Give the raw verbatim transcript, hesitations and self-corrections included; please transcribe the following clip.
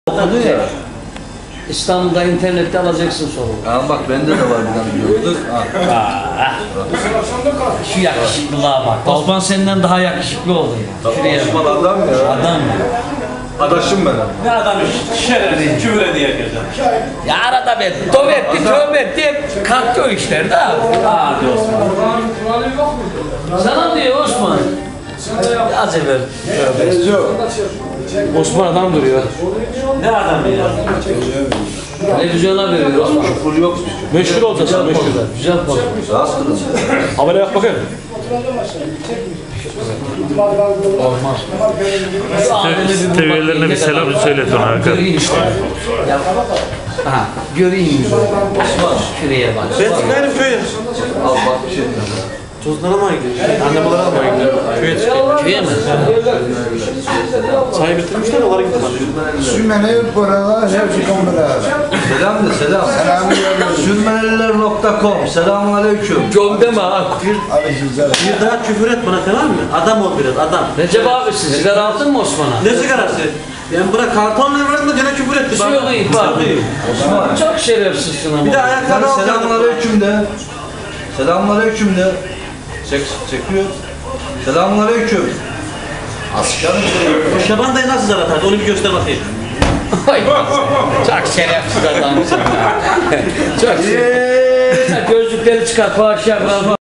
Okudu ya. İstanbul'da internette alacaksın soru. Aa, bak bende de var bir tane gördük. Şu yakışıklılığa bak. Osman senden daha yakışıklı oldu ya. Şuraya Osman adam ya. adam ya. Adaşım benim. Ne adam şerefli, küfür ediyor herkese. Ya arada ben tövbe etti, tövbe etti hep kalktı o işler de abi. Hadi Osman. Sana diyor Osman. Az evvel tövbe. Osman adam duruyor. Ne adam ya? Televizyona veriyor Osman. Küfür yok. Meşhur olacaksın, meşhur. Güzel poz. Rahatsız kılın. Habere bak bakayım. Olmaz. Teviyelerine bir selam söylet ona Hakan. Göreyim işte. Ya, ha, göreyim yüzünü. Osman şuraya bak. Ben çıkayım köye. Al bak bir şey diyeceğim. Tuzları almaya gidiyor. Anne babaları almaya gidiyor. Köye çıkıyor. Köye mi? Çay bitirmişler, onlara gittim. Sümene buralar hepsi kombiler. Selam de selam. Sürmeneliler nokta com. Selamun aleyküm. Çok deme ha. Bir daha küfür et bana, tamam mı? Adam ol biraz, adam. Recep abi siz sigara aldın mı Osman'a? Ne sigarası? Ben bırak kartonla verdim de gene küfür etti. Bir şey yok iyi bak. Osman. Çok şerefsizsin ama. Bir de ayakkabı al. Selamun aleyküm de. Selamun aleyküm de. Çek, çekiyor. Selamun aleyküm. Aslanım. O Şaban dayı nasıl zar atardı? Onu bir göster bakayım. Ay, çok şerefsiz adamsın. Çok şerefsiz. Gözlükleri çıkar, fahişe yapar.